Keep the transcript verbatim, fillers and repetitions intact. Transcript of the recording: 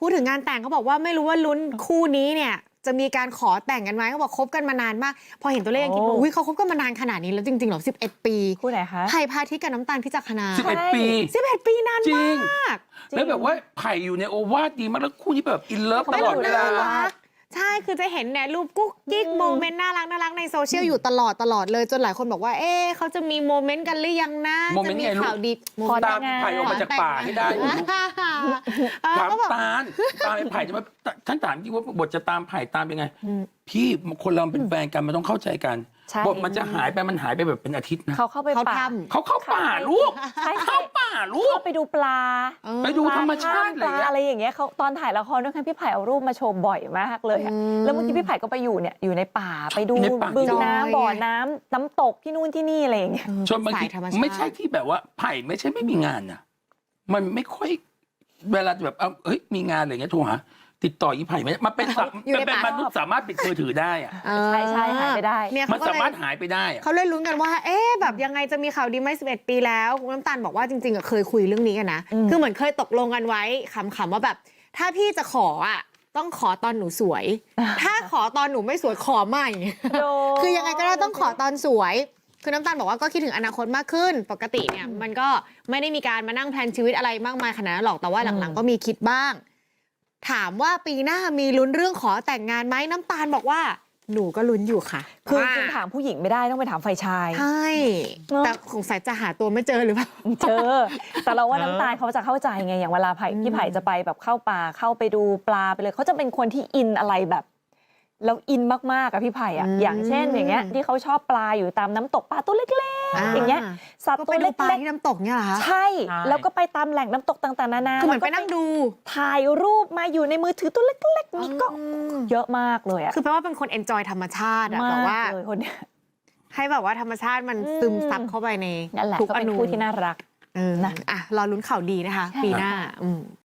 พูดถึงงานแต่งเขาบอกว่าไม่รู้ว่าลุ้นคู่นี้เนี่ยจะมีการขอแต่งกันไหมเขาบอกคบกันมานานมากพอเห็นตัวเลขยังคิดว่าอุ้ยเขาคบกันมานานขนาดนี้แล้วจริงๆเหรอสิบเอ็ดปีคู่ไหนคะไผ่พาทิตย์กับน้ำตาลพิจักขณาสิบเอ็ดปีสิบเอ็ดปีนานมากแล้วแบบว่าไผ่อยู่ในโอวาทดีมากแล้วคู่นี้แบบอินเลิฟตลอดเวลาใช่คือจะเห็นเนี่ยรูปกุ๊กกิ๊กโมเมนต์น่ารักน่ารักในโซเชียลอยู่ตลอดตลอดเลยจนหลายคนบอกว่าเอ๊ะเขาจะมีโมเมนต์กันหรือยังนะจะมีข่าวดีตามไผ่ออกมาจากป่าให้ได้ถามตาลตามไผ่จะมาท่านถามที่ว่าบทจะตามไผ่ตามยังไงพี่คนเราเป็นแฟนกันมันต้องเข้าใจกันบทมันจะหายไปมันหายไปแบบเป็นอาทิตย์นะเขาเข้าไปป่าเขาเข้าป่าลูกเข้าป่าลูกเข้าไปดูปลาไปดูธรรมชาติอะไรอย่างเงี้ยเขาตอนถ่ายละครด้วยกันพี่ไผ่เอารูปมาโชว์บ่อยมากเลยแล้วเมื่อกี้พี่ไผ่ก็ไปอยู่เนี่ยอยู่ในป่าไปดูบึงน้ำบ่อน้ำน้ำตกที่นู่นที่นี่อะไรอย่างเงี้ยชนบางทีไม่ใช่ที่แบบว่าไผ่ไม่ใช่ไม่มีงานนะมันไม่ค่อยเวลาแบบเอาเฮ้ยมีงานอะไรเงี้ยโทรหาติดต่ออีไผ่ไหมมันเป็นเป็นมนุษย์สามารถปิดมือถือได้อะใช่ใช่หายไปได้มันสามารถหายไปได้เขาเลยลุ้นกันว่าเอ๊ะแบบยังไงจะมีข่าวดีไหมสิบเอ็ดปีแล้วคุณน้ำตาลบอกว่าจริงๆเคยคุยเรื่องนี้กันนะคือเหมือนเคยตกลงกันไว้ขำๆว่าแบบถ้าพี่จะขออ่ะต้องขอตอนหนูสวยถ้าขอตอนหนูไม่สวยขอใหม่คือยังไงก็ได้ต้องขอตอนสวยคือน้ำตาลบอกว่าก็คิดถึงอนาคตมากขึ้นปกติเนี่ยมันก็ไม่ได้มีการมานั่งแพลนชีวิตอะไรมากมายขนาดนั้นหรอกแต่ว่าหลังๆก็มีคิดบ้างถามว่าปีหน้ามีลุ้นเรื่องขอแต่งงานไหมน้ำตาลบอกว่าหนูก็ลุ้นอยู่ค่ะคือจริงถามผู้หญิงไม่ได้ต้องไปถามฝ่ายชายใช่แต่สงสัยจะหาตัวไม่เจอหรือเปล่าเจอแต่เราว่าน้ำตาลเขาจะเข้าใจไงอย่างเวลาไผ่พี่ไผ่จะไปแบบเข้าป่าเข้าไปดูปลาไปเลยเขาจะเป็นคนที่อินอะไรแบบแล้วอินมากๆอะพี่ไผ่อะอย่างเช่นอย่างเงี้ยที่เขาชอบปลาอยู่ตามน้ำตกปลาตัวเล็กๆอย่างเงี้ยสัตว์ตัวเล็กๆที่น้ำตกเนี่ยเหรอคะใช่แล้วก็ไปตามแหล่งน้ำตกต่างๆนานาคือเหมือนไปนั่งดูถ่ายรูปมาอยู่ในมือถือตัวเล็กๆนี่ก็เยอะมากเลยอะคือแปลว่าเป็นคนเอนจอยธรรมชาติอะแบบว่าให้แบบว่าธรรมชาติมันซึมซับเข้าไปในทุกอนูที่น่ารักนะอ่ะรอลุ้นข่าวดีนะคะปีหน้า